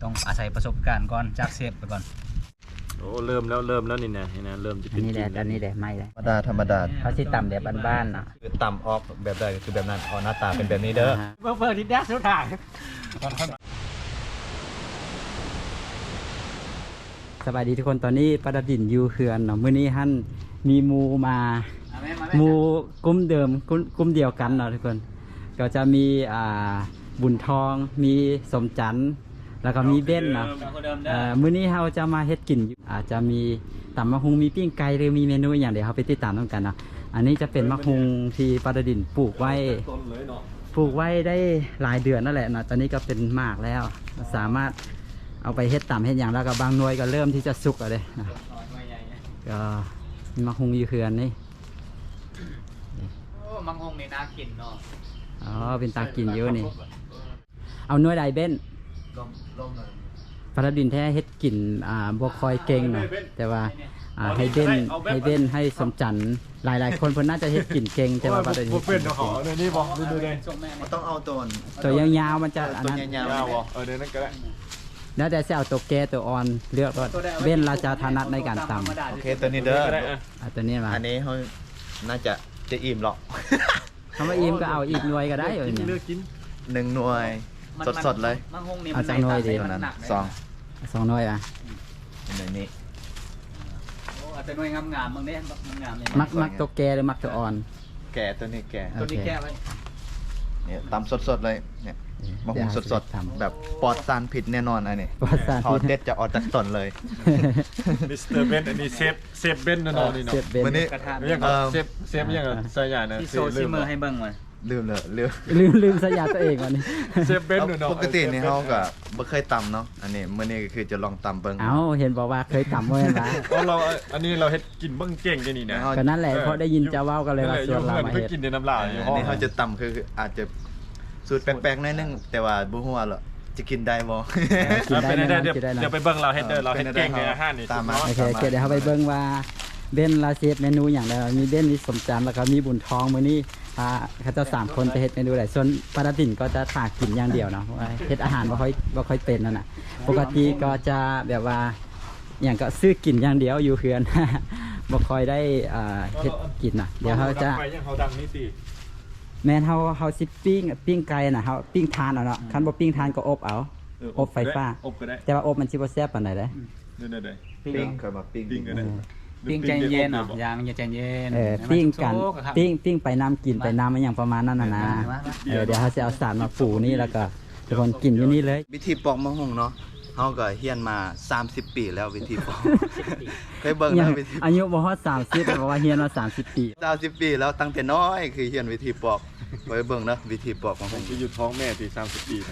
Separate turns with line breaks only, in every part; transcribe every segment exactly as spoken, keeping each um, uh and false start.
ต้องอาศัยประสบการณ์ก่อนจากเซฟไปก่อน
โอ้เริ่มแล้วเริ่มแล้วนี่นะนี่นะเริ่มจะ
อั
เป็น น
นี้แหละ
จริง
อันนี้แหละไม่เลย
ธรรมดาธรรมดา
เขาสิต่ำแบบบ้านๆเนาะ
คือต่ำออกแบบใดคือแบบนั้นอ๋อหน้าตาเป็นแบบนี้เด้อ
เพิ่มเพิ่มที่แดกสุดท้าย
สบายดีทุกคนตอนนี้ประดินอยู่เขื่อนเนาะมื้อนี้ฮั่นมีหมูมาหมูกลุ่มเดิมกลุ่มกลุ่มเดียวกันเนาะทุกคนก็จะมีอ่าบุญทองมีสมจันทร์แล้วก็มีเบ้นเนาะเอ่อมื้อนี้เราจะมาเฮ็ดกินอยู่อาจจะมีตำมะฮุงมีปิ้งไก่หรือมีเมนูอย่างเดียวเราไปติดตามต้องกันเนาะอันนี้จะเป็นมะฮุงที่ประดินปลูกไว้ปลูกไว้ได้หลายเดือนนั่นแหละเนาะตอนนี้ก็เป็นหมากแล้วสามารถเอาไปเฮ็ดตำเฮ็ดอย่างแล้วก็บางหน่วยก็เริ่มที่จะสุกแล้วเด้นะก็มีมะฮุงอยู่เขื่อนนี่
โอ้มังงนี่น่ากินเนาะ
อ๋อเป็นตากินอยู่นี่เอาหน่วยใดเบ้นประดินแท้เฮ็ดกินอ่าบ่คอยเก่งเนาะแต่ว่าอ่าให้เบ้นให้เบ้นให้สมจันทร์หลายๆคนเพิ่นน่าจะเฮ็ดกินเก่งแต่ว่าประดิน
พวกเป็นเขาเดี๋ยวนี้บอกดูดูเลย
มันต้องเอาตัว
ตัวยาวๆมันจะอัน
ตัว
นั้น
ยาว
ยาวเออเดี๋ยวนั้นก็ได้
แล้วแต่จะเอาตัวแก่ตัวอ่อนเลือกว่าเบ้นเราจะถนัดในการตำ
ๆโอเคตัวนี้เด้อ
ก็ได้อ่ะ
เอาตัวนี้มา
อันนี้เขาน่าจะจะอิ่มหรอก
คำว่าอิ่มก็เอาอีกหน่วยก็ได้อยู่
กิน
เนี่ย
เลือกกิน
หนึ่งหน่วยสดๆเลย
มังงนี่
เอาจากหน่วยดี
เท่านั้นสอง
สองหน่วยอ่ะ
หน่วยนี้
โอ้แต่หน่วยงามๆมึงเด้งามๆเลย
มักมักตัวแก่หรือมักตัวอ่อน
แก่ตัวนี้แก่
ตัวนี้แก้ไว้
เนี่ยตำสดๆเลยเนี่ยมะฮุงสด
ทำ
ๆแบบปลอดสารพิษแน่นอนอันนี้
ปลอดสารพิษ
พอเด็ดจะออกจากต้นเลย
มิสเตอร์เบนอันนี้เซฟเซฟเบนนะน้องนี่เนาะ
เสียบเบ้น
วันนี้
กระทะ
ยังเซฟเซฟยังใส่ใหญ่นะ
ที่โซซิเมอร์ให้เบิ่งมา
ลืมเลยลืม
ลืมลืมสยามตัวเองวันนี้
เซฟเบนเนาะ
ปกตินี่เขาก็บ่เคยตำเนาะอันนี้มื้อนี้ก็คือจะลองตำเบิ่ง
เอาเห็นบอกว่าเคยตำไว้นะ
เพราะเราอันนี้เราเฮ็ดกินเบิ่งเก่งกันนี่นะ
ก็นั่นแหละเพราะได้ยินเจ้าเว้ากันเลยว่าส่วนเรามา
เพิ่ง
เฮ็ด
กินในน้ำลายอยู่
อั
ห้
น
อง
นี้เขาจะตำคืออาจจะสูตรแปลกๆหน่อยนึงแต่ว่าบ่ฮู้ว่าหรอกจะกินได้บ่
กินได้
เป็น
แน่น
ได้
อน
เดี๋ยว
กินได้
เดี๋ยว
นะ
ไปเบิ่งเราเฮ็ดเด้อเราเฮ็ดเก่งในอาหารนี่
ตามมา
โอเคโอเคเดี๋ยวเขาไปเบิ่งว่าเบ้นลาเซฟเมนูอย่างไรมีเบ้นมีสมจันทร์แล้วก็มีบุญทองมื้อนี้อ่าเขาเจะสามคนจะเฮ็ดเมนูใดส่วนปาราตินก็จะถากกินอย่างเดียวเนาะเพราะว่าเฮ็ดอาหารบ่ค่อยบ่ค่อยเป็นนั่นน่ะปกติก็จะแบบว่าอย่างก็ซื้อกินอย่างเดียวอยู่เฮือน บ่ค่อยได้อ่าเฮ็ดกินน่ะเดี๋ยวเขาจะ
ไปยังเขาดังนี่ติ
แม่นเฮาเฮาสิปิ้งปิ้งไก่น่ะเฮาปิ้งทานเอาเนาะคันบ่ปิ้งทานก็อบเอา อบไฟฟ้า
อบก็ได้
แต่ว่าอบมันสิบ่แซ่บปานใดเด้
ได้ได้
ปิ้งเคยมาปิ้ง
ปิ้งก็ได้
ปิ้งใจเย็นเนาะยางอย่าใจเย็น
เออปิ้งกันปิ้งปิ้งไปน้ำกินไปน้ำมันอย่างประมาณนั้นน่ะนะเออเดี๋ยวเขาจะเอาสารมาปูนี่แล้วก็ทุกคนกินอยู่นี่เลย
วิธีปอกมะฮุงเนาะเฮาก็เฮียนมาสามสิบปีแล้ววิธีปอกเคยเบิ่ง
ยั
แล้
ง
ววิธี
อายุบ่ฮอดสามสิบแต่ว่าเฮียนมาสามสิบปี
สามสิบปีแล้วตั้งแต่น้อยคือเฮียนวิธีปอกไว้เบิ่งนะวิธีปอกมะฮุง
จะอยู่ท้องแม่ที่สามสิบปีนะ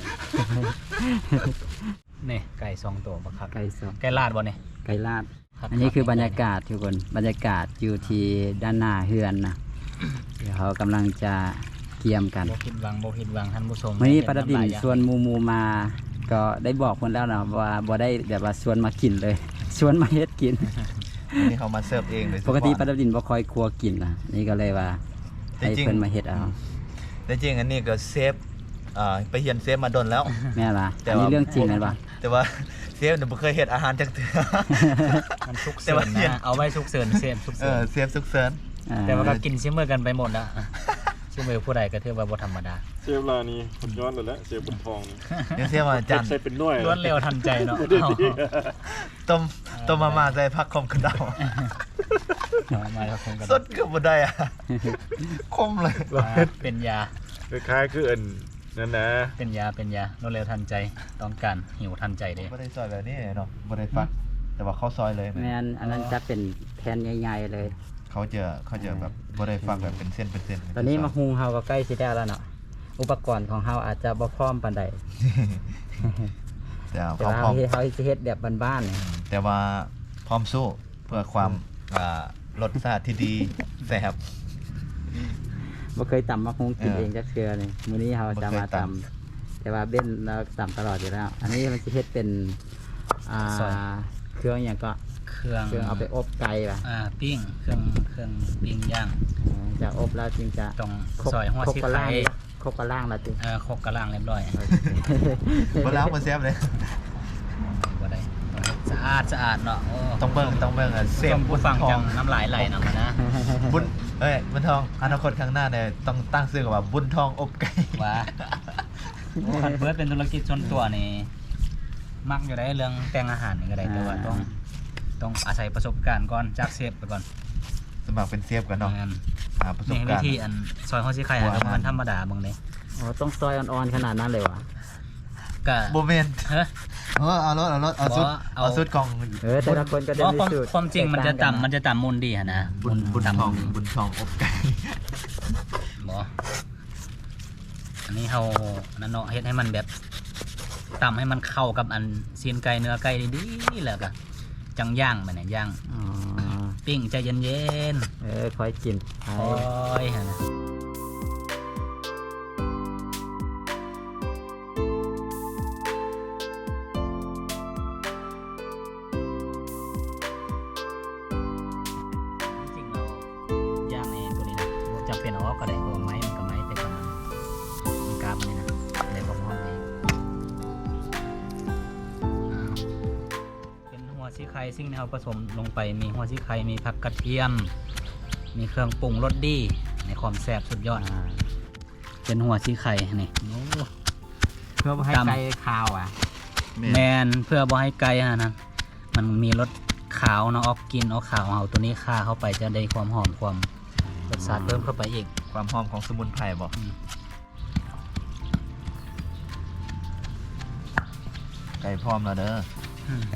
นี่ไก่สองตัวบักคัก
ไก่สด
ไก่ลาดบ่นี่
ไก่ลาดอันนี้คือบรรยากาศทุกคนบรรยากาศอยู่ที่ด้านหน้าเฮือนนะเดี๋ยวเขากำลังจะเกี่ยมกัน
บ่ผิดหวังบ่ผิดหวังท่านผู้ชม
วันนี้ประดินชวนหมูมูมา ก็ได้บอกคนแล้วนะว่าบ่ได้แบบว่าชวนมากินเลย ชวนมาเฮ็ดกิน
อันนี้เขามาเสิร์ฟเองเลย
ปกติประดินบ่ค่อยครัวกินนะนี่ก็เลยว่าให้เพิ่นมาเฮ็ดเอา
แต่จริงอันนี้ก็เซฟอ่าไปเฮียนเซฟมาดนแล้ว
แม่ล่ะ
แต่
อัน
ว่า
นี้เรื่องจริงเลยปะ
แต่ว่าเซฟเนี่ยบ่เคยเฮ็ดอาหารจักเทื่อ
มันสุก
แต่
เสริ
ว่า
ญ
เฮียน
นะเอาไว้สุกเสริญเซฟสุก
เอ
เสริ
อ
ญ
เซฟสุกเซิน
อ่า
แต่ว่าก็กินซิเมอร์กันไปหมดแล้วซิเมอร์ผู้ใดก็ถือว่าบ่ธรรมดา
เซฟลานี่ผมย้อนเลยแล้วเซฟบนทองนี่
เดี๋ยวเซฟมาจาน
ใส่เป็นหน่วย
ล้วนเร็วทันใจเนาะ
ต้มต้มมาม่าใส่ผักคมกระเดา
เอามาแล้วคงกัน
สดก็บ่ได้อะคมเลย
เป็นยา
คล้ายๆคืออันนั่นนะ
เป็นยาเป็นยาล้วนเร็วทันใจต้องการหิวทันใจเด้
บ่ได้ซอยแบบนี้เนาะบ่ได้ฟัก แต่ว่าเขาซอยเลย
แม่นอันนั้นจะเป็นแผ่นใหญ่ๆเลย
เขาจะเขาจะแบบบ่ได้ฟักแบบเป็นเส้นเป็นเส้น
ตอนนี้มาหุงเฮาก็ใกล้สิได้แล้วเนาะอุปกรณ์ของเฮาอาจจะบ่พร้อมปานใด
แต่
แต่
เขา
ว่า
พร้อม
เฮาเฮาสิเฮ็ดแบบบ้านๆเนี่ย
แต่ว่าพร้อมสู้เพื่อความอ่ารสชาติที่ดีแซ่บ
บ่เคยตำมาหุงกิน
เออ
เองจักเทื่อนี่มื้อนี้เฮาจะมา
บ่เคย
ตำ
ตำ
แต่ว่าเบ้นเราตำตลอดอยู่แล้ว อันนี้มันสิเฮ็ดเป็นอ่าเครื่องหยังก็
เครื่อง
เครื่องเอาไปอบไก่ป่ะ
อ่าปิ้งเครื่องเครื่องปิ้งย่าง
อ๋อจะอบแล้วจึงจะ
ต้อง
ครบ
ซอยหัว
ครบ
สิ
กระล่า
ไข่
งครบกระล่างแล้วติ
เอ่อครบกระล่างเรียบร้อย
บ่แล้วมันแซ่บเลย
อาดสะอาดเนาะโอ้
ต้องเบิ่งต้องเบิ่งอ่ะเซ
เสีย
ฟ
ง
บุ
ผู้
ญ
ฟัง
ทอ
จั
ง
งน้ำลายไหลนำนะ
บุญเอ้ยบุญทองอนาคตข้างหน้าเนี่ยต้องตั้งชื่อว่าบุญทองอบไก่
ว่าคันเบิร์ดเป็นธุรกิจส่วนตัวนี่มักอยู่ได้เรื่องแต่งอาหารนี่ก็ได้แต่ว่าต้องต้องอาศัยประสบการณ์ก่อนจากเชฟไปก่อน
สมัครเป็นเซฟกันเนาะ
งั้น
หาประสบ
นี่วิ
การณ์
ธีอันซอยข้าวซี่ไข่หาก็มันธรรมดาบางเด้
อ๋อต้องซอยอ่อนๆขนาดนั้นเลยวะ
ก็
โบเมน
เฮ้ย
เออเอารถเอารถเอาสุด
บ่เอา
เอาสุดของ
เออแต่ละคนก็จะ
อ๋อ
มี
ความ
สูตร
ความจริงมันจะต่ำมันจะต่ำมูลดีฮะนะ
บุญบุญท
ต่ำ
อง
มูลดี
บุญทองอบไก่
บ่อันนี้เรานั่นเนาะเฮ็ดให้มันแบบต่ำให้มันเข้ากับอันซีนไก่เนื้อไก่ดีๆแล้วก็จังย่างมันเนี่ยย่าง
อ๋อ
ปิ้งใจเย็น
เออคอยกินไป
ๆคอยฮะนะจริงๆเราย่างในตัวนี้นะบ่จำเป็นเอาออกก็ได้เพราะว่าไม้มันก็ไม้แต่ก่อนมันมันกราบมันนี่นะในความหอมเองอ้าวเป็นหัวซีไข่สิ่งที่เราผสมลงไปมีหัวซีไข่มีผักกระเทียม มีเครื่องปรุงรสดีในความแซ่บสุดยอด
อ่า
เป็นหัวซีไข่นี่โอ้
เพื่อบ่ให้
ตำ
ไก่คาวอ่ะ
แมนเพื่อบ่ให้ไก่ฮะนะมันมีรสขาวเนาะออกกลินออกขาวเอาตัวนี้ฆ่าเข้าไปจะได้ความหอมความรสชาติเพิ่มเข้าไปอีก
ความหอมของสมุนไพรบอก
อืม
ไก่พร้อมแล้วเด้อ
อืม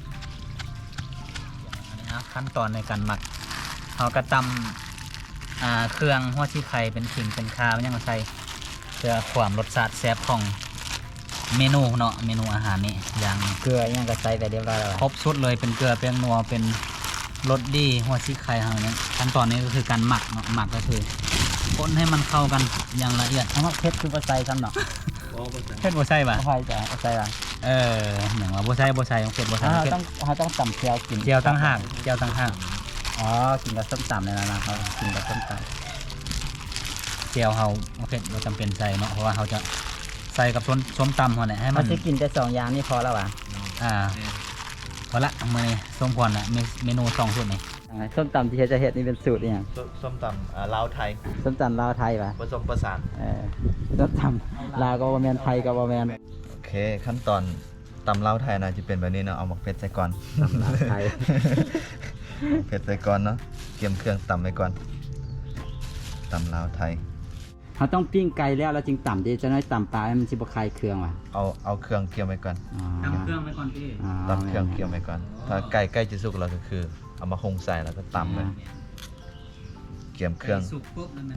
อันนี้นะขั้นตอนในการหมักเราก็ตำอ่าเครื่องหัวซีไข่เป็นขิงเป็นคามันยังมาใส่เพื่อความรสชาติแซ่บของเมนูเนาะเมนูอาหารนี้อย่าง
เกลือยังก็ใส่ไปเรียบร้อยแล้ว
ครบชุดเลยเป็นเกลือเป็นนัวเป็นรสดีหัวซีไข่เฮาเนี่ยขั้นตอนนี้ก็คือการหมักเนาะหมักก็คือคนให้มันเข้ากันอย่างละเอียด
เอามาเพชรคือบ่ใส่ซ้ำเนาะ
เผ็ดบ่ใช่ป่ะ
บ่ใส่จ้ะบ่ใส่ล่ะ
เอออย่างว่าบ่ใช่บ่ใช่เผ็ดบ่ใช่
อ่า
เผ็ด
ต้องเราต้องตำเจียวกิน
เจียวตั้งห่างเจียวตั้งห่าง
อ๋อกินกับส้มตำเลยนะนะครับกินกับส้มต
เจียวเฮาบ่เผ็ดบ่จำเป็นใส่เนาะเพราะว่าเฮาจะใส่กับส้มส้มตำเฮาเนี่ยให้
ำ
มั
มัน นจะกินแต่สองอย่างนี่พอแล้ววะ
อ่าพอละมื้อนี้ส้มพรน่ะมีเมนูสองชุดนี่
อ่าส้มตำที่เฮ็ดจะเฮ็ดนี่เป็นสูตรอหย่าง
ส้มตำอ่าลาวไทย
ส้มตำลาวไทยปะ
ผสมประสาน
เออส้มตำลาวก็บ่แม่นไทยก็บ่แม่น
โอเค ขั้นตอนตำลาวไทยนะจะเป็นแบบนี้เนาะเอาหมกเพชรใส่ก่อน
ตำลาวไทย
เผ็ดใส่ก่อนเนาะเตรียมเครื่องตำไว้ก่อนตำลาวไทย
เขาต้องปิ้งไก่แล้วแล้วจึงตำดิจะน้อยตำปลาให้มันสิบ่คายเครื่องว่ะ
เอาเอาเครื่องเกี่ยวไว้ก่อน
อ๋อ
ตำเครื่องไว้ก่อนพี่
อ๋อ
ตำเครื่องเกี่ยวไว้ก่อน ถ้าไก่ใกล้จะสุกแล้วก็คือ เอามาคงใส่แล้วก็ตำเลยเกี่ยมเครื่อง
สุกปุ๊บแล้วมัน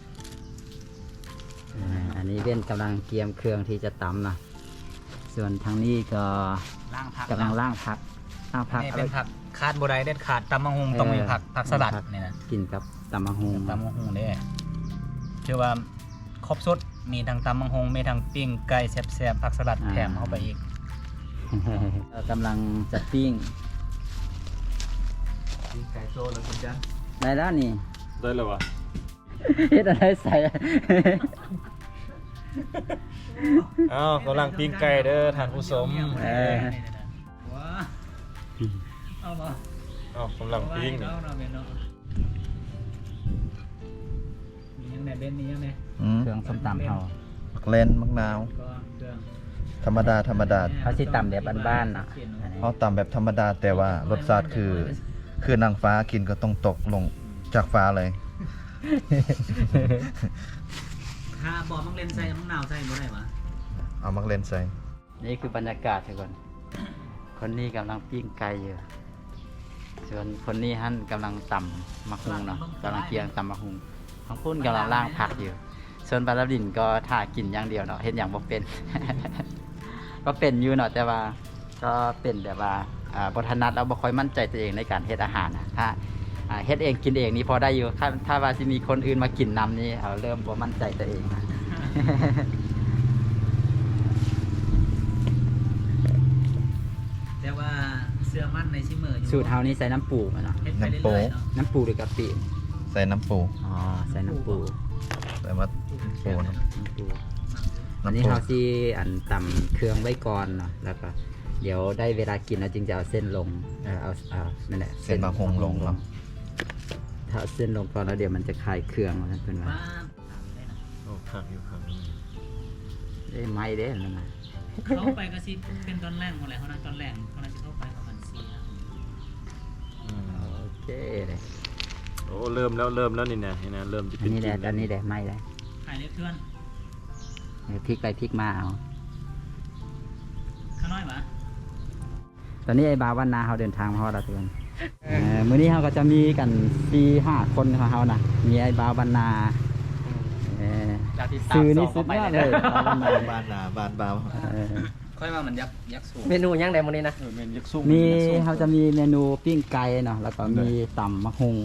อ่าอันนี้เว้นกำลังเตรียมเครื่องที่จะตำนะส่วนทางนี้ก็
ล้างผัก
กำลังล่างผักล่างผัก
นี่
เอา
เป็
ไว้
นผักคาดบ่ได้เด็ดขาดตำมะฮุงต้องมีผักผักสลัดนี่นะ
กินกับตำมะฮุง
ตำมะฮุงเด้ชื่อว่าครบสุดมีทั้งตำมะฮุงมีทั้งปิ้งไก่แซ่บๆผักสลัดแถมเข้าไปอีก
เรากำลังจะปิ้ง
ไก่โซ่แล้วคุณจ้า
ได้แล้วนี่
ได้เลยวะ
เฮ็ดอะไรใส่
อ้าวกำลังปิ้งไก่เด้อท่านผู้ชม
เออ
เอาบ่
อ้าวกำลังปิ้งนี่
เอาเนาะแม่เนาะมียังไงเบนนี่ยังไง
อืม
เครื่องส้มตำเขา
มักเล่นมักนาว
ก็เครื่อง
ธรรมดาธรรมดา
เขาสิตำแบบบ้านๆน่ะ
เขาตำแบบธรรมดาแต่ว่ารสชาติคือ คือนางฟ้ากินก็ต้องตกลงจากฟ้าเลย
ถ้าบอกมังเลนใส่มังนาวใส่บ่ได้วะ
เอามักเล่นใส่
นี่คือบรรยากาศทุกคน คนนี้กำลังปิ้งไก่อยู่ ส่วนคนนี้ฮั่นกำลังตำมะฮุงเนาะกำลังเกียงตำมะฮุงทั้งพุ่นกำลังล่างผักอยู่ ส่วนบาราดินก็ถ่ากินอย่างเดียวเนาะเห็นอย่างบ่เป็น ก็เป็นอยู่เนาะแต่ว่าก็เป็นแบบว่าอ่าบทนัดเราบ่ค่อยมั่นใจตัวเองในการเฮ็ดอาหารนะถ้าอ่าเฮ็ดเองกินเองนี่พอได้อยู่ถ้าถ้าว่าสิมีคนอื่นมากินนำนี่เอาเริ่มบ่มั่นใจตัวเองนะ
แต่ว่าเสื้อมั่นในชิเมอร์อยู่
สูตรเฮานี่ใส่น้ำปูมาเนาะ
เฮ็ดไปเรื่อยๆเนาะ
น้ำปูหรือกะปิ
ใส่น้ำปู
อ๋อใส่น้ำปู
ใส่มาปูเนาะ
น้ำปูอัน
น้ำ
นี้
ปู
เฮาสิอันตำเครื่องไว้ก่อนเนาะแล้วก็เดี๋ยวได้เวลากินแล้วจึงจะเอาเส้นลงเอ่อเอาเอานั่นแหละ
เส้นมะฮงลงเนาะ
ถ้าเอาเส้นลงก่อนแล้วเดี๋ยวมันจะคลายเครื่องนะเพื่อนว่า
ป้า
โอ้ครับอยู่ครับ
ได้ไหมเด้นั่นนะ
เข้าไปก็สิเป็นตอนแรกหมดเลยเขานะตอนแรกเขาน่าจะเข้าไปประมาณสี่นะ
อืม
โอเคเลย
โอ้เริ่มแล้วเริ่มแล้วนี่นะนี่นะเริ่มจะ
อั
เป็น น
นี้แหละ
จริง
อันนี้แหละไหมเลย
ขายเล็กเพื่อน
เดี๋ยวพลิกไปพลิกมาเอา
ข้างน้อยปะ
ตอนนี้ไอ้บาววันนาเขาเดินทางมาฮอดแล้วทุกคนเอ่อมื้อนี้เขาก็จะมีกันสี่ห้าคนของเขานะมีไอ้บาววันนาเอ่อซื้อนี่สุดยอดเลยบาววันนา
บ้านนาบ้านบาว
เออ
ค่อยว่ามันยักยักสูง
เมนูยังไงมื้อนี้นะ
เออเมนยักษ์ซุ้ง
มีเขาจะมีเมนูปิ้งไก่เนาะแล้วก็มีต่ำมะฮง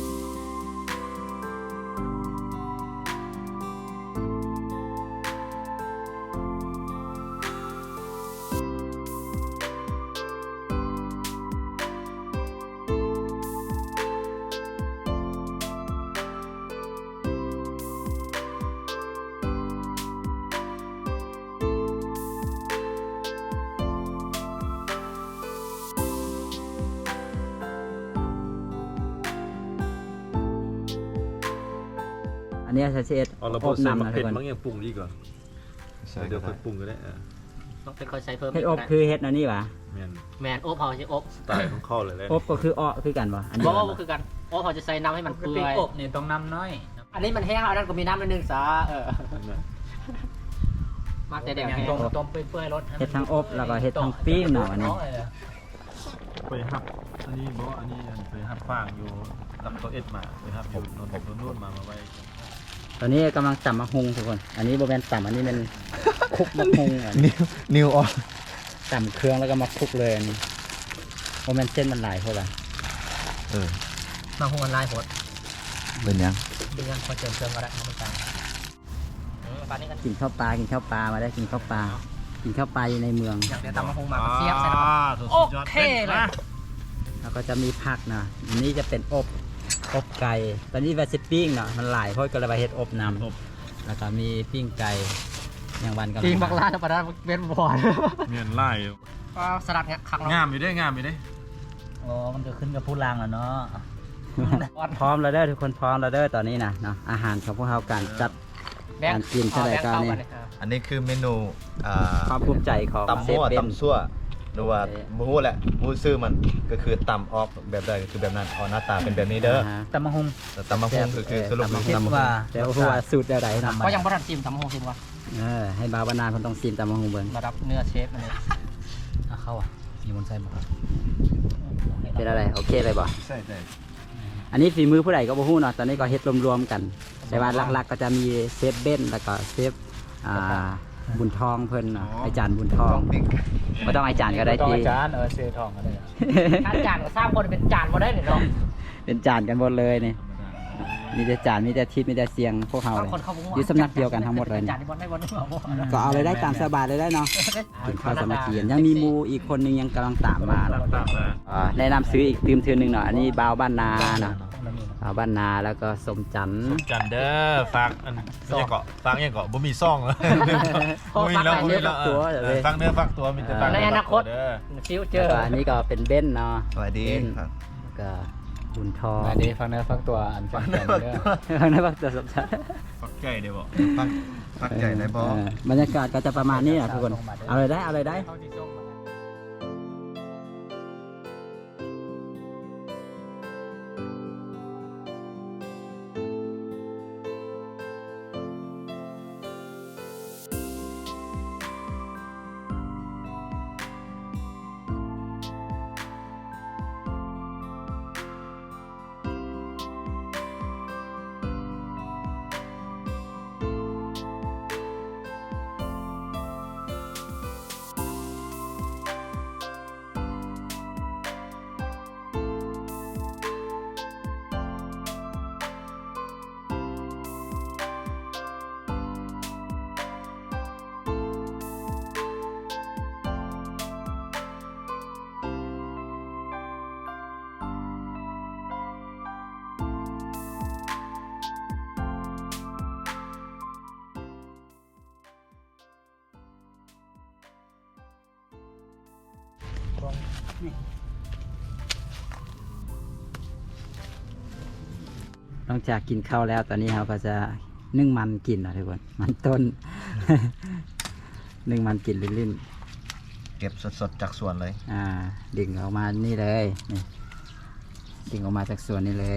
อันนี้จะเช็ด
เอาเรา
อ
พอบ ใส่
น้ำ
มะ
นะทุ
เผ็
ก
ด
คน
บางอย่างปรุงดีกว่า
ใช่
เดี๋
ก็
ยวค่
ได้
อยปรุงก็ได้เออ
ต้องเป็นคนใช้เพิ่ม
เฮ็ดอบ
ก
คือเฮ็ดอันนี้หวะ
แมน
แมนโอบเขาใช้อบ
สไตล์ของเข้าเลยแหละ
อบก็คืออ้อคือกันวะอันนี้
บ่ว่าคือกันโอบเขาจะใส่น้ำให้มัน
ปก
เปื่
ติ
อย
อบนี่ต้องน้ำน้อย
อันนี้มันแห้งอันนั้นก็มีน้ำนิดนึงซะเออ
นั่นน่ะ
มากแต่เดี๋ยว
อย่าง
แห้ง
ต้มต้มเปื่อยๆรส
เฮ็ดทั้งอบแล้วก็เฮ็ดทั้งปิ้งเนาะอันนี้
ไปฮับอันนี้บอกว่าอันนี้อันไปฮับฟางอยู่รับตัวเอ็ดมาไปฮับอยู่นนท์นู่นมามาไว้
ตอนนี้กำลังต่ำมะฮงทุกคน อันนี้โบแมนต่ำอันนี้เป็นคลุกมะฮงอันนี้
นิวนิวออน
ต่ำเครื่องแล้วก็มาคลุกเลยอันนี้โบแมนเส้นมันหลายเท่าไหร่
เออ
มาหุงลายโหด
เป็นยัง
ดึงยังพอเจิมเติมก็ได้ไม่ต่างปลานี้กัน
กินข้าวปลากินข้าวปลามาได้กินข้าวปลากินข้าวปลาอยู่ในเมือง
อย่างเดียวตำมาหุงมาเสียบใส่น้ำ
สุด
โอย
อด
เคเลย
แล้วก็จะมีผักนะอันนี้จะเป็นอบอบไก่ตอนนี้ว่าสิปิ้งเนาะมันหลายเพราะก็เลยว่าเฮ็ดอบนำแล้วก็มีปิ้งไก่อย่างวันกำลัง
จริงบักลาธรรมดาเป็นบอล
เมียนไล่
ก็สลัดเนี่ยคัก
งามอยู่ได้งามอยู่ได้
อ๋อมันก็ขึ้นกับผู้ล่างแล้วเนาะ
พร้อมแล้วเด้อทุกคนพร้อมแล้วเด้อตอนนี้นะเนาะอาหารของพวกเราการจัด การกินเท่าไหร่ก็นี่
อันนี้คือเมนูอ่า
ความภูมิใจของ
ตำ
เซ
มั่
ฟ
ว
เบน
ตำซั่วหรือว่า
โอเค
บูฮู้แหละบูฮู้ซื้อมันก็คือตำออกแบบใดก็คือแบบนั้นออกหน้าตาเป็นแบบนี้เด้อ
ฮะ
ตำมะฮุง
แต่ตำมะฮุงก็คือสรุป
ตำมะฮุ
คิดว่า
แต่ว่าว่าสูตรเดียวไหนเนาะ
ก็ยังบ่ทันจิ้มตำมะฮุงจิ้มวะ
เออให้บาวบานานคนต้องซีมตำมะฮุงเบิ่ง
ระดับเนื้อเชฟมันเลย
อ่ะเข้าอ่ะอยู่บนไซบ่
เป็นอะไรโอเคเลยบ่
ใช่ใช่
อันนี้ฝีมือผู้ใดก็บ่ฮู้เนาะตอนนี้ก็เฮ็ดรวมๆกัน แต่ว่าหลักๆก็จะมีเซฟเบนแล้วก็เซฟอ่าบุญทองเพิ่นเนาะอาจารย์บุญทองบ่ต้องอาจารย์ก็ได้
ต้อง
ที่
อาจารย์เออเซทองก็ได้
ถ้าจานก็สร้างคนเป็นจานมาได้เนี่ยเนาะ
เป็นจานกันหมดเลยนี่มีแต่จานมีแต่ทิศมีแต่เสียงพวกเราเลย
คนเขาบอกว่า
อยู่สำนักเดียวกันทั้งหมดเลย
จานที่บอลได้บอลได้บอล
ก็เอาเลยได้ตามสบายเลยได้เนาะกินข้าวสามัคคีกันยังมีหมูอีกคนนึงยังกำลังตามมาเนาะ
ตามนะ
อ่าแนะนำซื้ออีกตืมเทือนหนึ่งเนาะอันนี้บาวบ้านนาเนาะบาวบ้านนาแล้วก็สมจันทร์
จันเด้อฝากอันไม่ใช่เกาะฝากยังเกาะบ่มีซ่องแล้วบ่มีแล้วบ่มีแล้วฝากเนื้อฝากตัวมีแต่ฝากเด้อ
ฟิวเจ
แล้
อ
ว
ร์
ก็อันนี้ก็เป็นเบนเนาะ
สวัสดี
เบน
ครับ
แล้วก็บุญทอง
อันนี้ฟังเนื้อฟังตัวอันฟังแต่เนื้อ
ข้างในบักตัวสมจันทร์
ฝากไก่เดี๋ยวบอก
ฟักฟักใหญ่ได้บ่
เออบรรยากาศก็จะประมาณนี้นะทุกคนเอาเลยได้เอาเลยได้หลังจากกินข้าวแล้วตอนนี้เราก็จะนึ่งมันกินนะทุกคนมันต้น นึ่งมันกินลิ้น
เก็บสดๆจากสวนเลย
ๆอ่าดึงออกมานี่เลยนี่ดึงออกมาจากสวนนี่เลย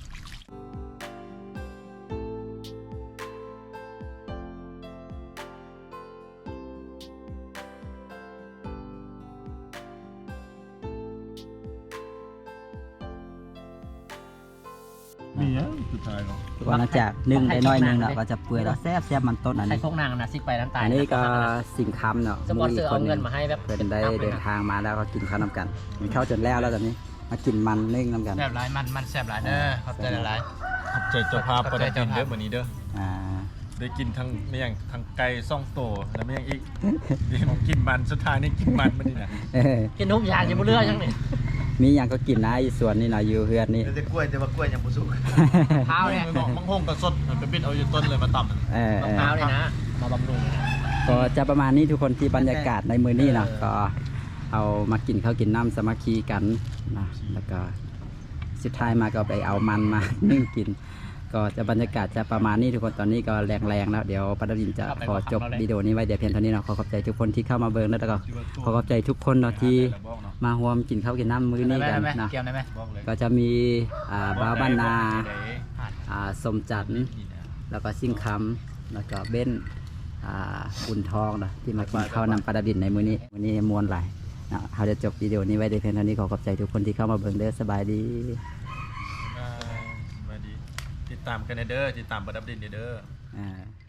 มีอ่ะสุดท้ายเนาะ
หลังจากนึ่งได้น้อยหนึงเนาะก็จะเปื่อยแล้วแซ่บแซ่บมันต้นอัน
ใช้
นี้
พวกนางนะซิกไปน้ำตาล
อันนี้ก็สิ่งคำเนาะ
สปอนเซอร์เอาเงิน
ห
มาให้แบบ
เพื่อนได้เดินทางมาแล้วก็กินข้าวน้ำกันกินข้าวจนแล้วแล้วตอนนี้มากินมันนึ่งน้ำกัน
แซ่บหลายมันมันแซ่บหลายเด้อขอบใจหลาย
ขอบใจเจ้าภาพประดับดินเด้อมื้อนี้เด้อ
อ่า
ได้กินทั้งไม่ยังทั้งไก่ซ่องโตแล้วไม่ยังอีกนี่ผมกินมันสุดท้ายนี่กินมันมานี่นะ
เออ
ๆกินนุ่มยางจะบ่เลือกยังนี่
มีอย่างก็กินนะอีสวนนี่เนาะอยู่เฮือนนี่
แต่กล้วยแต่ว่ากล้วยยังบ่สุก
เท้าเนี่ย
บอกมังหงกับสดมันไปบิดเอาอยู่ต้นเลยมาต่ำ
เออเออ
เท้าเนี่ยนะมาบำรุง
ก็จะประมาณนี้ทุกคนที่บรรยากาศในมือนี้เนาะก็เอามากินข้าวกินน้ำสามัคคีกันนะแล้วก็สุดท้ายมาก็ไปเอามันมา นึ่งกิน ก็จะบรรยากาศจะประมาณนี้ทุกคนตอนนี้ก็แรงๆแล้วเดี๋ยวปาดวินจะขอจบวิดีโอนี้ไว้เดี๋ยวเพียงเท่านี้เนาะขอขอบใจทุกคนที่เข้ามาเบิ่งแล้วก็ขอขอบใจทุกคนเนาะที่มาร่วมกินข้าวกินน้ำมื้อนี้กัน
ได้ไหม
เนาะ
เกี่ยวได้ไหม
บอกเลย
ก็จะมีอ่าบ้าวบ้านนาอ่าสมจันทร์แล้วก็ซิ่งคำแล้วก็เบ้นอ่าบุญทองเนาะที่มากินข้าวนำปลาดาบินในมื้อนี้มื้อนี้มวนหลายเนาะเราจะจบวิดีโอนี้ไว้ในเพียงเท่านี้ขอขอบใจทุกคนที่เข้ามาเบิ่งเด้อสบายดี
อ่าสวัสดีติดตามกันเด้อติดตามประดับดินเด้อ
อ่า